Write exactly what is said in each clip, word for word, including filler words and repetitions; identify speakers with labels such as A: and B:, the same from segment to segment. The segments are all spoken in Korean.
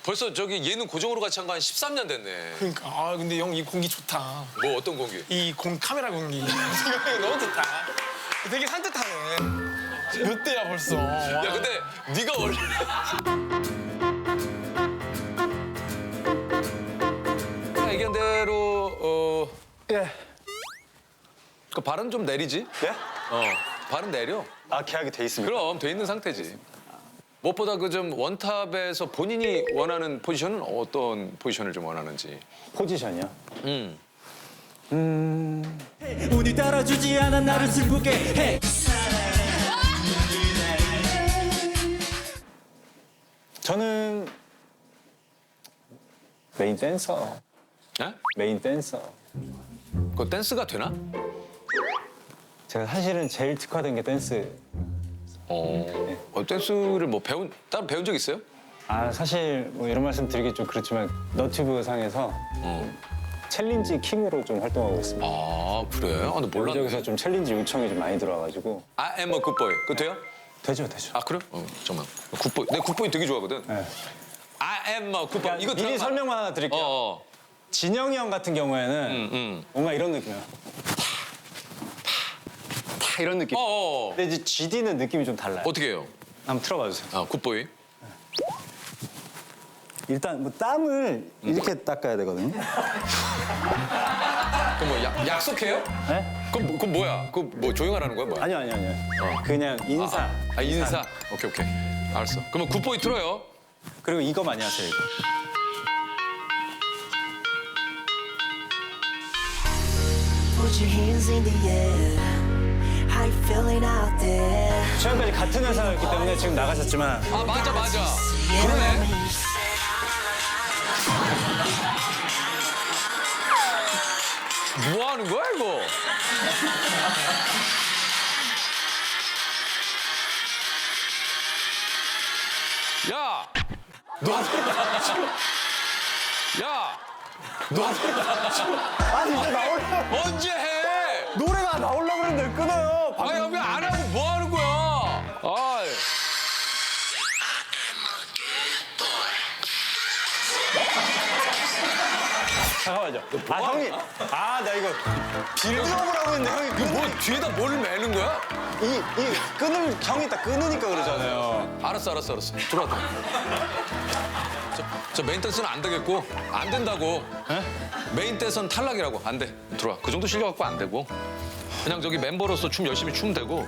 A: 벌써 저기 예능 고정으로 같이 한 거 한 십삼 년 됐네.
B: 그러니까 아 근데 형 이 공기 좋다.
A: 뭐 어떤 공기?
B: 이 공 카메라 공기 너무 좋다. 되게 산뜻하네. 몇 대야 벌써. 와.
A: 야 근데 네가 원래 얘기한 대로 어,
C: 예.
A: 그 발은 좀 내리지?
C: 예?
A: 어, 발은 내려.
C: 아, 계약이 돼 있습니다.
A: 그럼 돼 있는 상태지. 무엇보다 그 좀 원탑에서 본인이 원하는 포지션은 어떤 포지션을 좀 원하는지.
C: 포지션이요?
A: 음.
D: 운이 따라주지 않아 나를 슬프게 해.
C: 저는 메인 댄서.
A: 에?
C: 메인 댄서.
A: 그 댄스가 되나?
C: 제가 사실은 제일 특화된 게 댄스.
A: 어. 어, 댄스를 뭐 배운 따로 배운 적 있어요?
C: 아, 사실 뭐 이런 말씀 드리기 좀 그렇지만 너튜브 상에서
A: 어.
C: 챌린지 킹으로 좀 활동하고 있습니다.
A: 아 그래? 아, 나 몰랐네.
C: 여기저기서 좀 챌린지 요청이 좀 많이 들어와가지고.
A: I am a good boy. 그거 돼요?
C: 되죠, 되죠.
A: 아 그래? 어 잠깐만. 굿보이. 내 굿보이 되게 좋아하거든.
C: 네.
A: I am a good boy. 이거
C: 미리
A: 들어봐.
C: 설명만 하나 드릴게요.
A: 어. 어.
C: 진영이 형 같은 경우에는
A: 음, 음.
C: 뭔가 이런 느낌이야. 다 이런 느낌.
A: 어, 어.
C: 근데 이제 지디는 느낌이 좀 달라요.
A: 어떻게 해요?
C: 한번 틀어봐 주세요.
A: 아 굿보이.
C: 일단 뭐 땀을 이렇게 닦아야 되거든요.
A: 그럼 뭐 약, 약속해요?
C: 네?
A: 그럼, 뭐- 그럼 뭐야? 그 뭐 조용하라는 거야 뭐야?
C: 아니요, 아니요, 아니요. 그냥 인사.
A: 아, 아 인사. 오케이 오케이. 알았어. 그러면 굿보이 틀어요.
C: 그리고 이거 많이 하세요, 이거.
E: Put your hands in the air. How you feeling out there?
C: 최근까지 같은 회사였기 때문에 지금 나가셨지만
A: 아 맞아 맞아. 그러네. 뭐 하는 거야 이거? 야, 너, 야, 너
C: 아니 이제 나오려
A: 언제 해?
C: 노래가 나오려고 그러는데 끊어요.
A: 아니 왜 안 하고 뭐 하는 거야? 아,
C: 잠깐만요. 아 형이 아 나 이거 빌드업을 하고 있는데 형이 그
A: 뭐 뒤에다 뭘 매는 거야?
C: 이, 이 끊을 형이 딱 끊으니까 그러잖아요.
A: 알았어, 알았어, 알았어. 들어와, 들어와. 저, 저 메인 댄스는 안 되겠고, 안 된다고. 메인 댄스는 탈락이라고. 안 돼. 들어와. 그 정도 실력 갖고 안 되고. 그냥 저기 멤버로서 춤 열심히 추면 되고.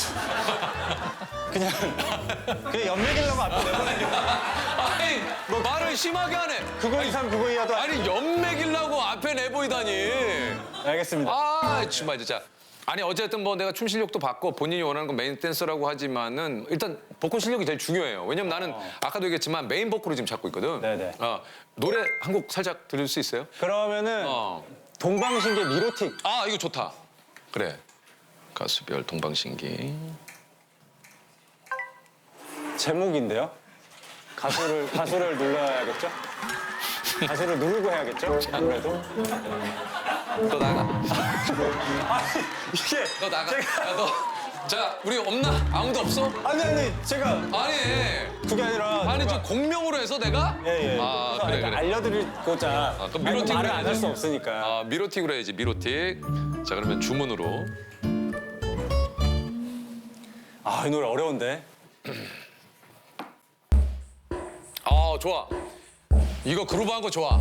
C: 그냥 그냥 연맥이려고 앞에 내보내.
A: 아니, 뭐 말을 심하게 하네.
C: 그거 이상 그거 이하도 안...
A: 아니, 연맥이려고 앞에 내보이다니.
C: 알겠습니다.
A: 아, 정말 진짜. 아니, 어쨌든 뭐 내가 춤 실력도 봤고 본인이 원하는 건 메인 댄서라고 하지만은 일단 보컬 실력이 제일 중요해요. 왜냐면 나는 아까도 얘기했지만 메인 보컬을 지금 잡고 있거든.
C: 네네.
A: 어, 노래 한 곡 살짝 들을 수 있어요?
C: 그러면은
A: 어.
C: 동방신기 미로틱.
A: 아, 이거 좋다. 그래. 가수별 동방신기.
C: 제목인데요. 가수를 가수를 눌러야겠죠? 가수를 누르고 해야겠죠? 아무래도.
A: 너 나가.
C: 아니 이게
A: 너 나가.
C: 제가
A: 야, 너. 자, 우리 없나? 아무도 없어?
C: 아니 아니 제가
A: 아니.
C: 그게 아니라
A: 아니,
C: 제가-
A: 좀 공명으로 해서 내가?
C: 예, 예.
A: 아,
C: 그래서
A: 그래,
C: 약간
A: 그래.
C: 알려드리고자
A: 아, 그럼 미로틱으로
C: 말을 안 할
A: 해야지.
C: 수 없으니까.
A: 아, 미로틱으로 해야지, 미로틱. 자, 그러면 주문으로.
C: 아, 이 노래 어려운데.
A: 아, 좋아. 이거 그루브한 거 좋아.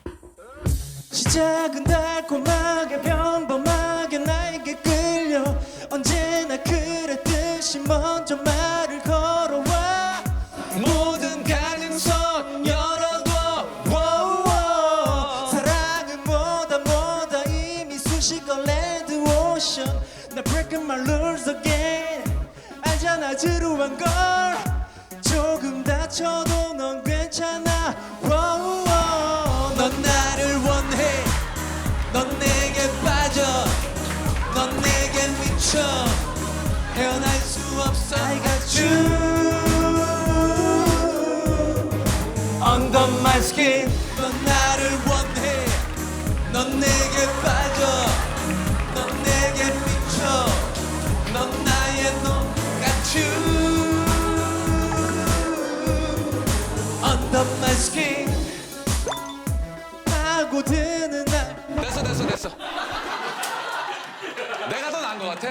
D: 시작은 달콤하게 평범하게 나에게 끌려 언제나 그랬듯이 먼저 말을 걸어와 모든 가능성 열어둬 워워. 사랑은 뭐다 뭐다 이미 수식어 레드 오션 나 breaking my rules again 알잖아 지루한 걸 조금 다쳐도 넌 괜찮아 워워. 넌 나를 원해 넌 내게 빠져 넌 내게 미쳐 헤어날 수 없어 I got you under my skin 넌 나를 원해 넌 내게 빠져 넌 내게 미쳐 넌 나의 놈 got you under my skin 하고 드는 날
A: 됐어 됐어 됐어. 내가 더 나은 것 같아?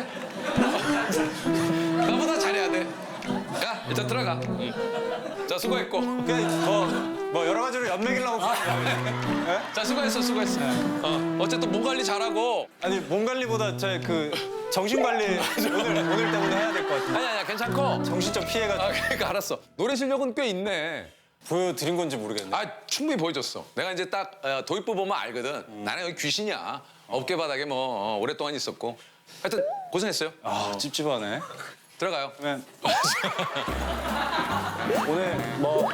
A: 나보다 잘해야 돼. 야 일단 들어가. 응. 자 수고했고.
C: 그냥 뭐, 뭐 여러 가지로 연맥이려고.
A: 자 수고했어 수고했어. 어 어쨌든 몸 관리 잘하고.
C: 아니 몸 관리보다 저 그 정신 관리 오늘 오늘 때문에 해야 될 것 같은데.
A: 아니 아니야 괜찮고.
C: 정신적 피해가
A: 아 그러니까 알았어. 노래 실력은 꽤 있네.
C: 보여드린 건지 모르겠네.
A: 아 충분히 보여줬어. 내가 이제 딱 어, 도입부 보면 알거든. 나는 여기 귀신이야. 어깨 바닥에 뭐 어, 오랫동안 있었고. 하여튼 고생했어요.
C: 아 찝찝하네.
A: 들어가요.
C: 그러면 오늘 뭐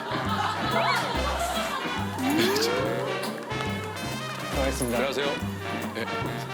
C: 고맙습니다.
A: 안녕하세요. 네.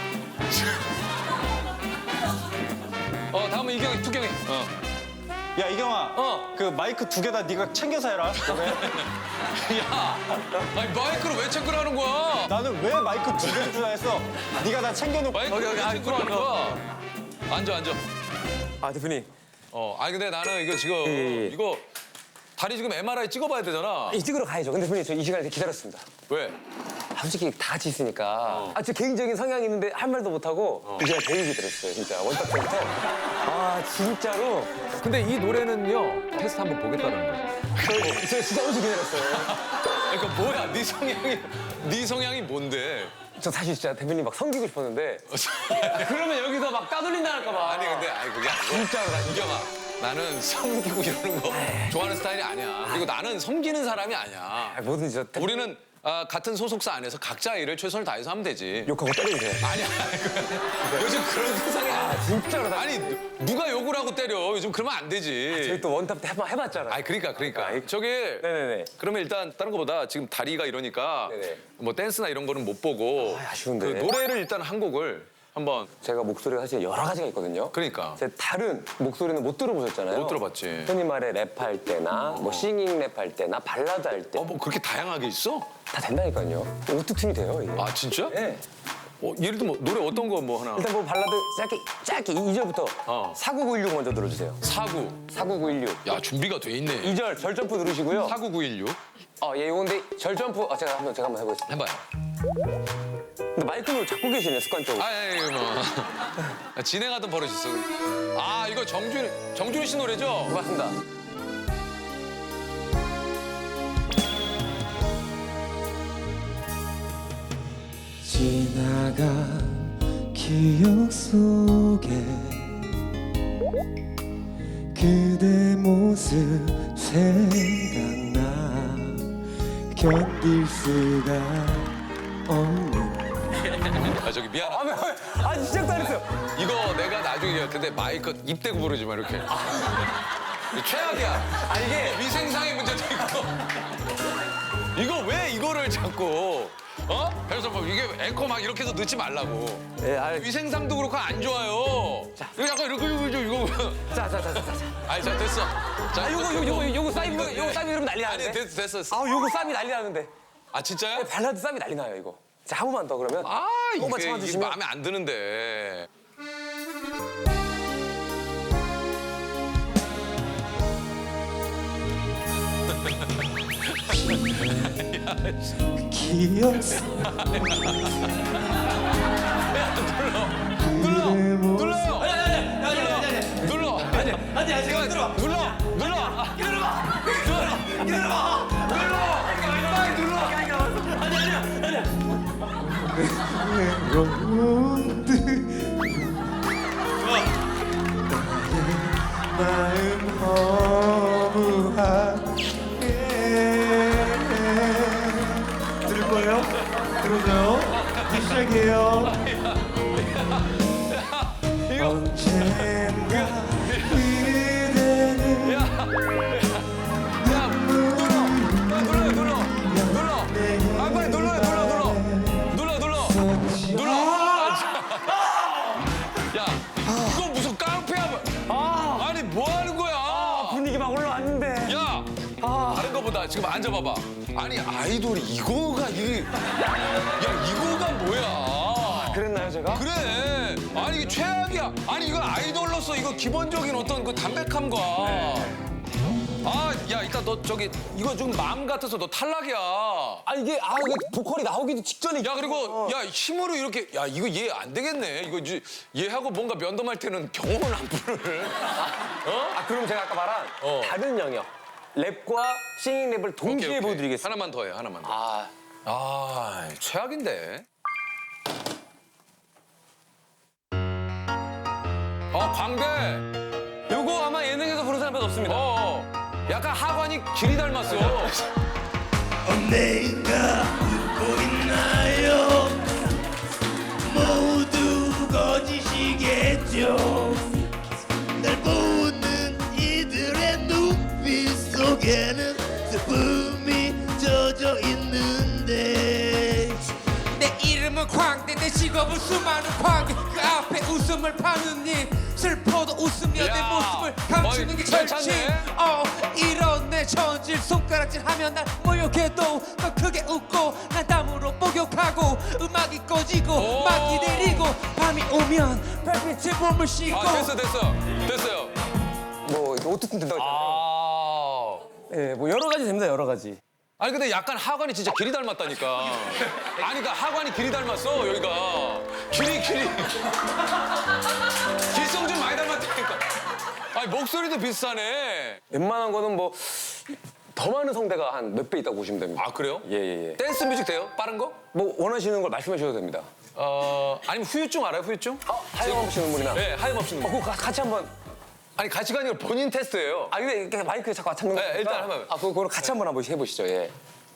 A: 어 다음은 이경이 투경이. 어.
C: 야 이경아,
A: 어.
C: 그 마이크 두 개 다 네가 챙겨서 해라. 너네.
A: 야, 아니 마이크를 왜 체크를 하는 거야?
C: 나는 왜 마이크 두 개를 주나 했어. 네가 다 챙겨놓고.
A: 마이크를 왜 체크를 하는 거야? 앉아 앉아.
F: 아 대표님
A: 어, 아니 근데 나는 이거 지금
F: 예, 예.
A: 이거 다리 지금 엠알아이 찍어봐야 되잖아.
F: 이 찍으러 가야죠. 근데 대표님 저 이 시간을 기다렸습니다.
A: 왜?
F: 아, 솔직히 다 같이 있으니까 아, 제 개인적인 성향이 있는데 할 말도 못하고 제가 되게 기다렸어요. 진짜 원탑 때부터. 아 진짜로
A: 근데 이 노래는요 테스트 한번 보겠다는 거야.
F: 저, 제가 진짜 엄청 기다렸어요.
A: 그러니까 뭐야? 네 성향이 네 성향이 뭔데?
F: 저 사실 진짜 대표님 막 섬기고 싶었는데 아, 그러면 여기서 막 따돌린다 할까 봐.
A: 아니 근데 아니 그게 아니고
F: 진짜로 나
A: 이경아 나는 섬기고 이러는 거 좋아하는 스타일이 아니야. 그리고 나는 섬기는 사람이 아니야.
F: 아, 뭐든지 저 대표님
A: 우리는 아, 같은 소속사 안에서 각자 일을 최선을 다해서 하면 되지.
F: 욕하고 때려주세요.
A: 아니야. 요즘 그런 세상이
F: 아
A: 아니야.
F: 진짜로 나
A: 아니 누가 욕을 하고 때려. 요즘 그러면 안 되지.
F: 저희 또 원탑 때 한번 해봤잖아요.
A: 아니 그러니까 그러니까.
F: 아이,
A: 저기
F: 네네네.
A: 그러면 일단 다른 거보다 지금 다리가 이러니까
F: 네네.
A: 뭐 댄스나 이런 거는 못 보고
F: 아, 아쉬운데.
A: 그 노래를 일단 한 곡을 한번
F: 제가 목소리가 사실 여러 가지가 있거든요.
A: 그러니까
F: 제 다른 목소리는 못 들어보셨잖아요.
A: 못 들어봤지.
F: 흔히 말해 랩할 때나 뭐 싱잉 랩할 때나 발라드 할 때 다
A: 어 뭐 그렇게 다양하게 있어?
F: 된다니까요. 오토튠이 돼요. 이게.
A: 아 진짜?
F: 네.
A: 어, 예를 들면 뭐 노래 어떤 거 뭐 하나?
F: 일단 뭐 발라드 짧게 짧게 이 절부터
A: 어.
F: 사구구일육 먼저 들어주세요.
A: 사구.
F: 사구구일육.
A: 야 준비가 돼 있네.
F: 이 절 절 점프 누르시고요.
A: 사구구일육
F: 어, 예, 요건데 절 점프. 아, 제가 한번 제가 한번 해보겠습니다.
A: 해봐요.
F: 근데 마이크를 잡고 계시네 습관적으로.
A: 아, 예, 예, 뭐 진행하던 버릇이 있어. 아, 이거 정준 정준 씨 노래죠?
F: 맞습니다.
D: 지나간 기억 속에 그대 모습 생각나 견딜 수가 없는
A: 아, 저기 미안하다.
F: 아, 왜, 아, 시작도 안 했어요.
A: 이거 내가 나중에 얘기할 텐데 마이크 입 대고 부르지 마 이렇게. 이거 최악이야.
F: 아, 이게
A: 위생상의 문제도 있고. 이거 왜 이거를 자꾸 어? 그래서 뭐 이게 앵커 막 이렇게 해서 넣지 말라고.
F: 예, 아,
A: 위생상도 그렇고 안 좋아요. 이거 약간 이렇게 이거 이거.
F: 자, 자, 자, 자, 자.
A: 아니 자 됐어. 자
F: 아, 요거, 요거, 요거, 요거 싸이,
A: 이거-
F: 요거 싸이 이러면 난리
A: 아니
F: 나는데.
A: 됐어 됐어.
F: 아, 요거 싸이 난리 나는데.
A: 아 진짜요?
F: 발라드 싸이 난리 나요, 이거. 자, 한 번만 더 그러면.
A: 아
F: 조금만
A: 이게, 이게
F: 참아주시면.
A: 마음에 안 드는데.
D: 기억 속
A: 눌러 눌러요. 눌러. 아니 아니 아니 제가 들어. 눌러 눌러. 기다려봐. 눌러 기다려봐. 눌러. 빨리 눌러. 아니 아니 아니.
D: 외로운들 마음 허무하게 들을 거예요? 들어줘요? 이제 시작이에요 언젠가 그대는
A: 눌러 눌러 눌러. 아 빨리 눌러요 눌러 눌러 눌러 눌러 눌러. 야 이거 무슨 깡패야? 아니 뭐 하는 거야?
F: 분위기 막 올라왔는데.
A: 야 다른 거보다 지금 앉아봐봐. 아니 아이돌이 이거가 이게 야 이거가 뭐야?
F: 그랬나요, 제가?
A: 그래. 아니 이게 최악이야. 아니 이건 아이돌로서 이거 기본적인 어떤 그 담백함과 아, 야, 이따 너 저기 이거 좀 마음 같아서 너 탈락이야.
F: 아 이게 아 이게 보컬이 나오기도 직전에.
A: 야, 그리고 야 힘으로 이렇게 야 이거 얘 안 되겠네. 이거 이제 얘하고 뭔가 면담할 때는 경험을 안 부를.
F: 아 그럼 제가 아까 말한
A: 어.
F: 다른 영역 랩과 싱잉 랩을 동시에
A: 오케이, 오케이.
F: 보여드리겠습니다.
A: 하나만 더 해, 하나만 더.
F: 아
A: 아, 최악인데. 어, 광대.
F: 요거 아마 예능에서 부른 사람은 없습니다.
A: 어, 어. 약간 하관이 길이 닮았어.
G: 내가 웃고 있나요? 모두 거짓이겠죠. 날 보는 이들의 눈빛 속에는 슬픔이 젖어 있는데
H: 내 이름은 광대 내 직업은 수많은 광대 그 앞에 웃음을 파는 일 슬퍼도 웃으며
A: 야,
H: 내 모습을 감추는 게
A: 어이,
H: 절친
A: 괜찮네.
H: 어 이런 내 전질 손가락질 하면 날 모욕해도 더 크게 웃고 난 땀으로 목욕하고 음악이 꺼지고
A: 오.
H: 막이 내리고 밤이 오면 별빛에 몸을 씻고
A: 아, 됐어, 됐어. 됐어요.
F: 뭐 이렇게 어떻든 된다고 했잖아요.
A: 아.
F: 예, 뭐 여러 가지 됩니다. 여러 가지.
A: 아니 근데 약간 하관이 진짜 길이 닮았다니까. 아니 그러니까 하관이 길이 닮았어 여기가. 길이 길이. 길성 좀 많이 닮았다니까. 아니 목소리도 비슷하네.
F: 웬만한 거는 뭐 더 많은 성대가 한 몇 배 있다고 보시면 됩니다.
A: 아 그래요?
F: 예예예.
A: 댄스 뮤직 돼요? 빠른 거?
F: 뭐 원하시는 걸 말씀해 주셔도 됩니다.
A: 어 아니면 후유증 알아요 후유증?
F: 어, 하염없이 눈물이나.
A: 네 하염없이
F: 어,
A: 눈물.
F: 그거 가- 같이 한번.
A: 아니 같이 가는 게 본인 테스트예요.
F: 아 근데 이렇게 마이크에 자꾸 맞춰는 거.
A: 네, 일단 한번.
F: 아 그거 그거 같이 한번 한번 해보시죠. 예.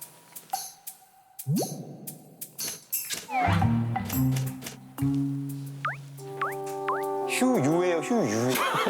F: 휴유예요 휴유.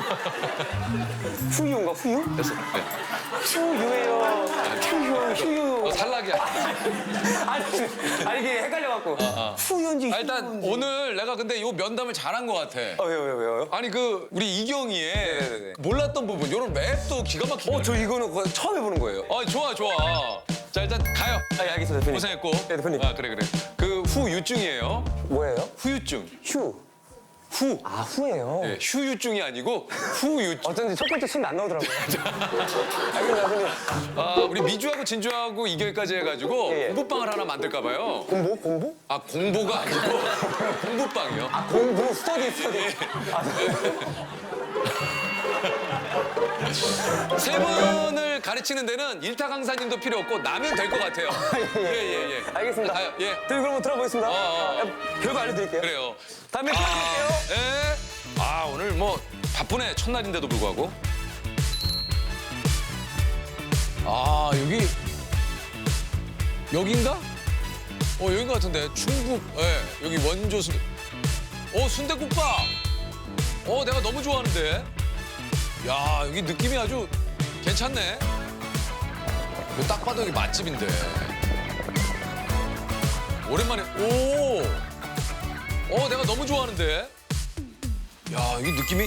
F: 후유인가 후유?
A: 됐어. 네.
F: 후유예요. 휴유 휴유.
A: 어, 탈락이야.
F: 아니 아니 이게 헷갈려갖고. 후유인지
A: 아, 일단
F: 휴유인지.
A: 오늘 내가 근데 요 면담을 잘한 것 같아.
F: 어 왜요 왜요 왜요?
A: 아니 그 우리 이경이의
F: 네네네.
A: 몰랐던 부분 이런 랩도 기가 막히게.
F: 어 저 이거는 그거 처음 해보는 거예요.
A: 어 좋아 좋아. 자 일단 가요.
F: 아 예, 알겠습니다 대표님.
A: 고생했고.
F: 네 대표님.
A: 아 그래 그래. 그 후유증이에요.
F: 뭐예요?
A: 후유증.
F: 휴.
A: 후.
F: 아 후예요.
A: 네, 휴유증이 아니고 후유증.
F: 어쩐지 첫 번째 손이 안 나오더라고요. 알겠습니다 대표님.
A: 아 우리 미주하고 진주하고 이결까지 해가지고
F: 예, 예.
A: 공부방을 하나 만들까 봐요.
F: 공부 공부?
A: 아 공부가 아니고 공부방이요.
F: 아 공부 스터디 스터디.
A: 세 분을 가르치는 데는 일타 강사님도 필요 없고 나면 될 것 같아요. 예예 예.
F: 알겠습니다.
A: 가요. 예.
F: 저희 그럼 들어보겠습니다.
A: 어, 어.
F: 아, 별거 알려드릴게요.
A: 그래요.
F: 다음에
A: 아,
F: 들어볼게요.
A: 예. 아 오늘 뭐 바쁘네 첫날인데도 불구하고. 아 여기 여긴가? 어 여긴 것 같은데 충북. 예 여기 원조 순대. 어 순대국밥. 어 내가 너무 좋아하는데. 야 여기 느낌이 아주 괜찮네. 이거 딱 봐도 여기 맛집인데. 오랜만에 오. 어 내가 너무 좋아하는데. 야 이 느낌이.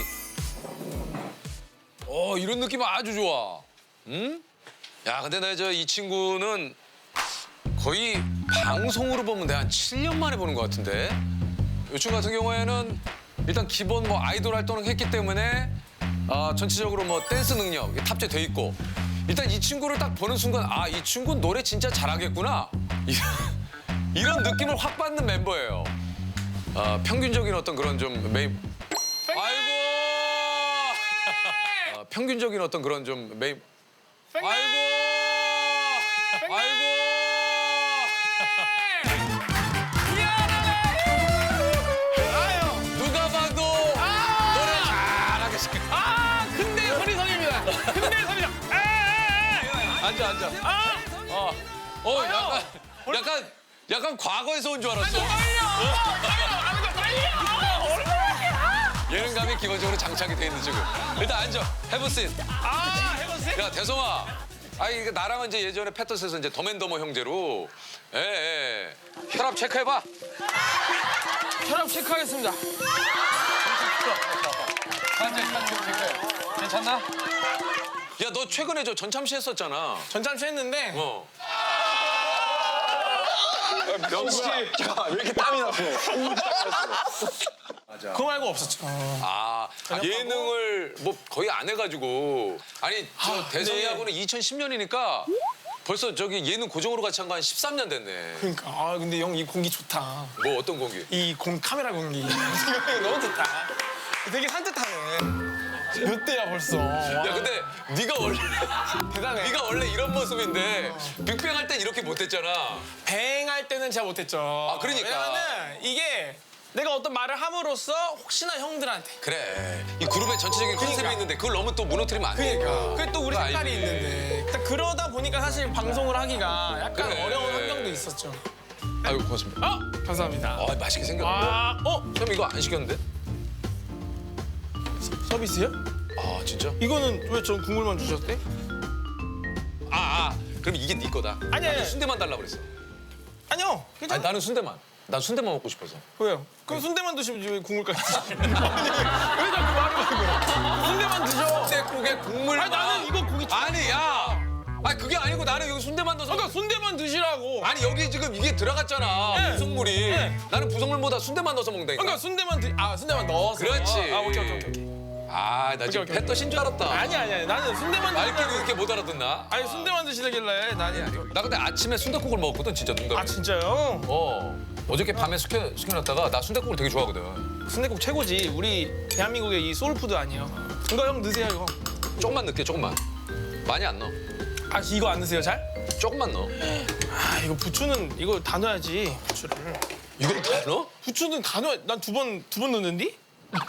A: 어 이런 느낌 아주 좋아. 응? 야 근데 나 저 이 친구는 거의 방송으로 보면 내가 한 칠 년 만에 보는 것 같은데. 이 친구 같은 경우에는 일단 기본 뭐 아이돌 활동을 했기 때문에 아, 전체적으로 뭐 댄스 능력 탑재돼 있고 일단 이 친구를 딱 보는 순간 아 이 친구는 노래 진짜 잘하겠구나 이런 느낌을 확 받는 멤버예요. 아, 평균적인 어떤 그런 좀 메인 아이고 아, 평균적인 어떤 그런 좀 메인 아이고 아이고 누가 봐도 노래 잘하겠어.
B: 아 근데 선인성입니다. 근데 선인성.
A: 앉아 앉아. 어, 어 약간 약간 약간 과거에서 온 줄 알았어. 예능감이 기본적으로 장착이 돼 있는 지금. 일단 앉아. 해보신.
B: 아 해보세요.
A: 야 대성아. 아 이게 나랑은 이제 예전에 패터스에서 이제 더맨더머 형제로. 예 예. 혈압 체크해봐.
B: 혈압 체크하겠습니다.
A: 환자 혈압 체크해. 괜찮나? 야 너 최근에 저 전참시 했었잖아.
B: 전참시 했는데
A: 어.
C: 명수 씨. 야, 왜 이렇게 땀이 났어?
B: 그거 말고 없었죠.
A: 아, 예능을 뭐 거의 안 해가지고 아니 저
B: 아,
A: 대성이하고는 이천십 년이니까 벌써 저기 예능 고정으로 같이 한 거 한 십삼 년 됐네.
B: 그러니까 아 근데 형 이 공기 좋다.
A: 뭐 어떤 공기?
B: 이 공 카메라 공기 너무 좋다. 되게 산뜻하네. 몇 대야 벌써.
A: 야 근데 네가 원래
B: 대단해.
A: 네가 원래 이런 모습인데 빅뱅 할 땐 이렇게 못했잖아.
B: 뱅할 때는 제가 못했죠.
A: 아, 그러니까.
B: 왜냐면은 이게 내가 어떤 말을 함으로써 혹시나 형들한테.
A: 그래. 이 그룹의 전체적인 컨셉이
B: 그러니까.
A: 있는데 그걸 너무 또 무너뜨리면 안 되니까.
B: 그러니까. 그게 또 우리
A: 그거
B: 색깔이
A: 알지.
B: 있는데. 일단 그러다 보니까 사실 방송을 하기가 약간
A: 그래.
B: 어려운 환경도 있었죠.
A: 아이고 고맙습니다.
B: 아 감사합니다.
A: 아 맛있게 생겼는데.
B: 아 어?
A: 형 이거 안 시켰는데?
B: 서비스요?
A: 아 진짜?
B: 이거는 왜 전 국물만 주셨대?
A: 아, 아 그럼 이게 네 거다.
B: 아니,
A: 나는
B: 아니.
A: 순대만 달라 그랬어.
B: 아니요.
A: 아니
B: 괜찮아.
A: 나는 순대만. 난 순대만 먹고 싶어서.
B: 왜요? 그럼 순대만 드시면 왜 국물까지 드시는 거예요? 왜 자꾸 말을 하는 거야? 순대만 드셔.
A: 순대국에 국물.
B: 아니 나는 이거 고기
A: 아니 야. 아니 그게 아니고 나는 여기 순대만 넣어서.
B: 그러니까 순대만 드시라고.
A: 아니 여기 지금 이게 들어갔잖아.
B: 네.
A: 부속물이.
B: 네.
A: 나는 부속물보다 순대만 넣어서 먹는다니까.
B: 그러니까 순대만 드, 아 순대만 넣어서.
A: 그렇지.
B: 아 오케이 오케이 오케이.
A: 아, 나 지금
B: 오케이, 오케이.
A: 배 떠신 줄 알았다.
B: 아니 아니 아니 나는 순대만
A: 말귀를
B: 드시라고.
A: 이렇게 못 알아듣나?
B: 아니 순대만 드시길래 나는 아니.
A: 나 근데 아침에 순댓국을 먹었거든, 진짜 농담이.
B: 아 진짜요?
A: 어. 어저께 밤에 시켜, 시켜놨다가 나 순댓국을 되게 좋아하거든.
B: 순대국 최고지. 우리 대한민국의 이 소울푸드 아니에요. 이거 형 드세요 이거.
A: 조금만 넣게, 조금만. 많이 안 넣어.
B: 아 이거 안 드세요 잘?
A: 조금만 넣어.
B: 아 이거 부추는 이거 다 넣어야지 부추를.
A: 이걸 다 넣어?
B: 부추는 다 넣어. 난 두 번 두 번 넣는디?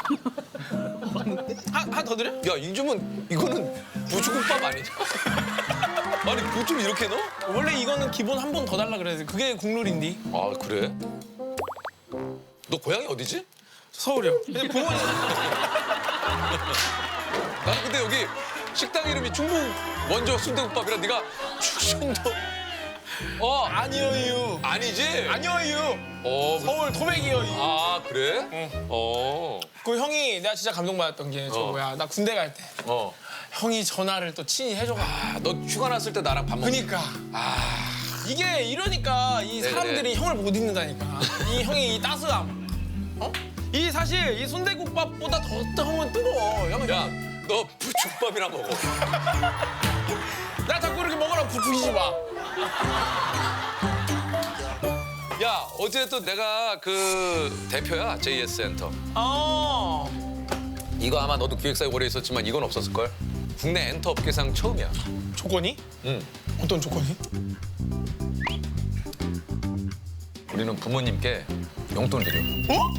B: 하나 더 드려?
A: 야, 이쯤은 이거는 부추국밥 아니냐? 아니, 부추를 이렇게 넣어?
B: 원래 이거는 기본 한 번 더 달라 그래야 돼. 그게 국룰인디.
A: 아, 그래? 너 고향이 어디지?
B: 서울이요. 근데 부모님
A: 나는 근데 여기 식당 이름이 충북 원조 순대국밥이라 네가 충청도 어
B: 아니어유.
A: 아니지?
B: 아니어유.
A: 어,
B: 서울 토백이요.
A: 아 그래?
B: 응.
A: 어,
B: 그 형이 내가 진짜 감동받았던 게 저
A: 어.
B: 뭐야 나 군대 갈 때
A: 어.
B: 형이 전화를 또 친히 해줘가지고.
A: 아, 너 휴가 났을 때 나랑 밥 먹.
B: 그니까.
A: 아,
B: 이게 이러니까 이
A: 네네.
B: 사람들이 형을 못 잊는다니까. 이 형의 이 따스함. 어? 이 사실 이 순대국밥보다 더 더 형은 뜨거워. 형은
A: 야, 너 부추국밥이나 먹어.
B: 나 자꾸 이렇게 먹으라고 부추기지 마.
A: 야, 어제도 내가 그 대표야 제이에스 센터.
B: 어.
A: 이거 아마 너도 기획사에 오래 있었지만 이건 없었을 걸. 국내 엔터 업계상 처음이야.
B: 조건이?
A: 응.
B: 어떤 조건이?
A: 우리는 부모님께 용돈 드려.
B: 어?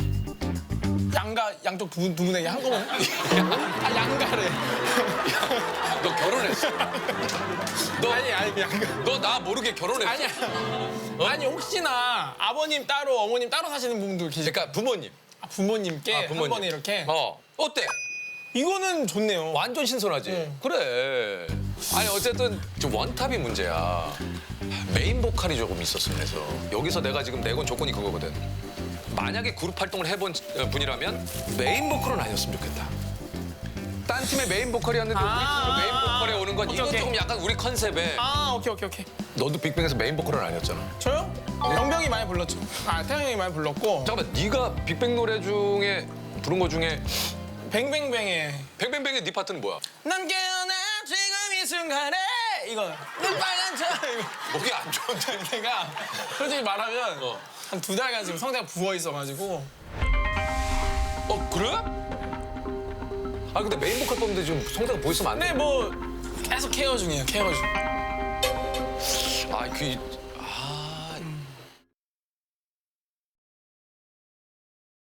B: 양가 양쪽 두, 분- 두 분에게 한꺼번에? 아 양가래.
A: 너 결혼했어. 너
B: 아니 아니 양가.
A: 너 나 모르게 결혼했어.
B: 아니야. 아니 혹시나 아버님 따로 어머님 따로 사시는 분도 계실.
A: 그러니까 부모님.
B: 아, 부모님께
A: 아,
B: 한
A: 부모님.
B: 번에 이렇게.
A: 어, 어때?
B: 이거는 좋네요.
A: 완전 신선하지?
B: 네.
A: 그래. 아니 어쨌든 좀 원탑이 문제야. 메인 보컬이 조금 있었어. 그래서 여기서 내가 지금 내건 조건이 그거거든. 만약에 그룹 활동을 해본 분이라면 메인 보컬은 아니었으면 좋겠다. 딴 팀의 메인 보컬이었는데 우리
B: 아,
A: 팀으로 메인 보컬에 오는 건
B: 오케이,
A: 이건
B: 오케이.
A: 조금 약간 우리 컨셉에.
B: 아 오케이 오케이 오케이.
A: 너도 빅뱅에서 메인 보컬은 아니었잖아.
B: 저요? 병병이 많이 불렀죠. 아 태영 형이 많이 불렀고.
A: 잠깐만, 네가 빅뱅 노래 중에 부른 거 중에
B: 뱅뱅뱅의
A: 뱅뱅뱅의 네 파트는 뭐야?
B: 난 깨어나 지금 이 순간에 이거 눈빨간 저 이거
A: 목이 안 좋은데.
B: 내가 솔직히 말하면
A: 어.
B: 한 두 달간 지금 성대가 부어 있어가지고.
A: 어, 그래? 아 근데 메인 보컬 뽑는데 지금 성대가 보였으면 안 돼.
B: 근데 뭐 계속 케어 중이에요 케어 중.
A: 아, 그